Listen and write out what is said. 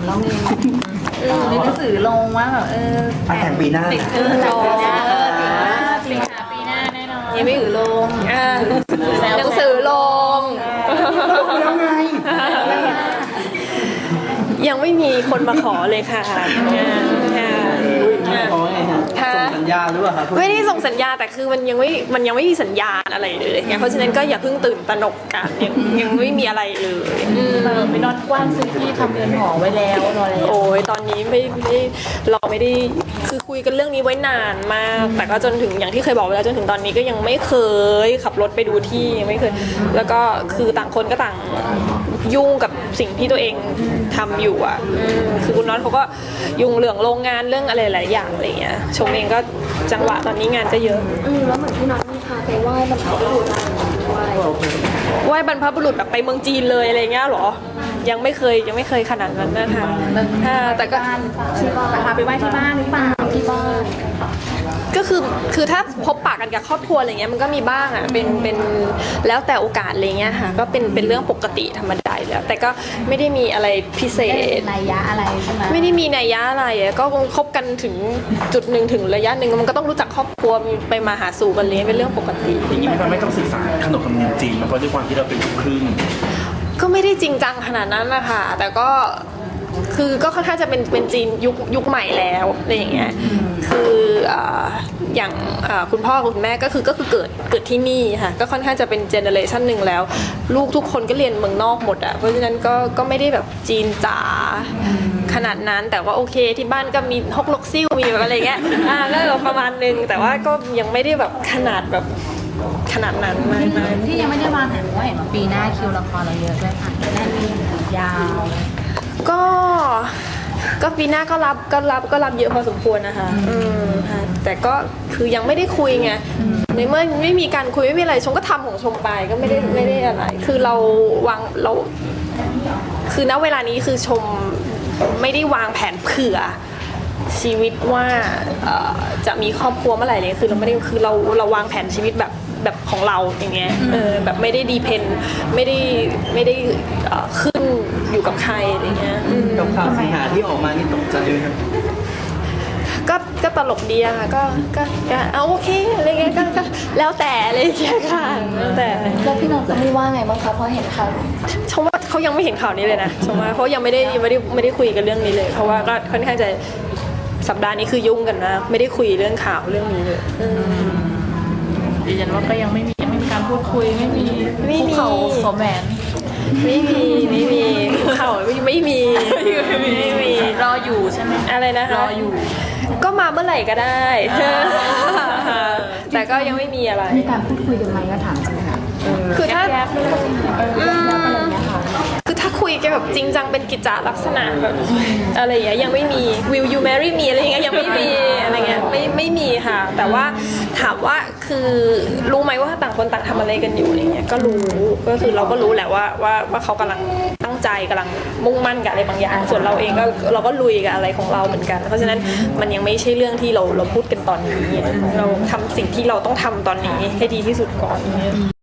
เรามีในหนังสือลงว่าแบบแต่งปีหน้าติดสิงหาปีหน้าแน่นอนยังไม่ถือลงหนังสือลงแล้วไงยังไม่มีคนมาขอเลยค่ะขอไงฮะส่งสัญญาหรือเปล่าครับไม่ได้ส่งสัญญาแต่คือมันยังไม่มีสัญญาณอะไรเลยเพราะฉะนั้นก็อย่าเพิ่งตื่นตระหนกกันยังไม่มีอะไรเลยไม่นอนกว้านซื้อที่ทำเรือนหอไว้แล้วรอแล้วโอ้ยตอนนี้เราไม่ได้คือคุยกันเรื่องนี้ไว้นานมากแต่ก็จนถึงอย่างที่เคยบอกไปแล้วจนถึงตอนนี้ก็ยังไม่เคยขับรถไปดูที่ยังไม่เคยแล้วก็คือต่างคนก็ต่างยุ่งกับสิ่งที่ตัวเองทำอยู่อ่ะคือคุณน็อตเขาก็ยุ่งเรื่องโรงงานเรื่องอะไรหลายอย่างอะไรเงี้ยชมเองก็จังหวะตอนนี้งานก็เยอะแล้วเหมือนที่น็อตมีพาไปไหว้บรรพบุรุษไหว้บรรพบุรุษแบบไปเมืองจีนเลยอะไรเงี้ยหรอยังไม่เคยขนาดนั้นนะคะแต่ก็ที่บ้านพาไปไหว้ที่บ้านหรือเปล่าที่บ้านก็คือถ้าพบปะกันกับครอบครัวอะไรเงี้ยมันก็มีบ้างอ่ะเป็นแล้วแต่โอกาสอะไรเงี้ยค่ะก็เป็นเรื่องปกติธรรมดาแล้วแต่ก็ไม่ได้มีอะไรพิเศษนัยยะอะไรใช่ไหมไม่ได้มีนัยยะอะไรก็คบกันถึงจุดหนึ่งถึงระยะหนึ่งมันก็ต้องรู้จักครอบครัวไปมาหาสู่กันเลยเป็นเรื่องปกติอย่างนี้มันไม่ต้องศึกษาขนบธรรมเนียมจีนเพราะด้วยความที่เราเป็นลูกครึ่งก็ไม่ได้จริงจังขนาดนั้นนะคะแต่ก็คือก็ค่อนข้างจะเป็นจีนยุคใหม่แล้วอะไรอย่างเงี้ยคืออย่างคุณพ่อคุณแม่ก็คือเกิดที่นี่ค่ะก็ค่อนข้างจะเป็นเจเนอเรชันหนึ่งแล้วลูกทุกคนก็เรียนเมืองนอกหมดอ่ะเพราะฉะนั้นก็ไม่ได้แบบจีนจ๋าขนาดนั้นแต่ว่าโอเคที่บ้านก็มีฮกลกซิ่วมีแบบอะไรเงี้ยก็ประมาณนึงแต่ว่าก็ยังไม่ได้แบบขนาดนั้นมากที่ยังไม่ได้วางแผนว่าเห็นว่าปีหน้าคิวละครเราเยอะด้วยค่ะแน่นยาวก็ปีหน้าก็รับเยอะพอสมควรนะคะแต่ก็คือยังไม่ได้คุยไงในเมื่อไม่มีการคุยไม่มีอะไรชมก็ทำของชมไปก็ไม่ได้อะไรคือเราคือณเวลานี้คือชมไม่ได้วางแผนเผื่อชีวิตว่าจะมีครอบครัวเมื่อไหร่เลยคือเราไม่ได้คือเราวางแผนชีวิตแบบของเราอย่างเงี้ยแบบไม่ได้ดีเพนไม่ได้ขึ้นอยู่กับใครอะไรเงี้ยกับข่าวสิงหาที่ออกมานี่ตกใจเลยครับก็ตลกดีอะค่ะก็เอาโอเคอะไรเงี้ยก็แล้วแต่อะไรอย่างเงี้ยค่ะแล้วแต่แล้วพี่น้องจะไม่ว่าไงบ้างคะเพราะเห็นข่าวชมว่าเขายังไม่เห็นข่าวนี้เลยนะชมว่าเขายังไม่ได้คุยกันเรื่องนี้เลยเพราะว่าก็ค่อนข้างจะสัปดาห์นี้คือยุ่งกันนะไม่ได้คุยเรื่องข่าวเรื่องนี้เลยดิฉันว่าก็ยังไม่มีการพูดคุยไม่มีเขาสมแหวนไม่มีเขาไม่มีรออยู่ใช่ไหมอะไรนะคะรออยู่ก็มาเมื่อไหร่ก็ได้แต่ก็ยังไม่มีอะไรมีการพูดคุยกันไหมก็ถามจริงค่ะคือถ้าคือถ้าคุยกันแบบจริงจังเป็นกิจจลักษณะแบบอะไรอย่างเงี้ยยังไม่มี will you marry me อะไรอย่างเงี้ยยังไม่มีอะไรเงี้ยไม่มีค่ะแต่ว่าถามว่าคือรู้ไหมว่าต่างคนต่างทำอะไรกันอยู่อะไรเงี้ยก็รู้ก็คือเราก็รู้แหละว่าเขากำลังตั้งใจกำลังมุ่งมั่นกับอะไรบางอย่างส่วนเราเองก็เราก็ลุยกับอะไรของเราเหมือนกันเพราะฉะนั้นมันยังไม่ใช่เรื่องที่เราพูดกันตอนนี้เราทำสิ่งที่เราต้องทำตอนนี้ให้ดีที่สุดก่อน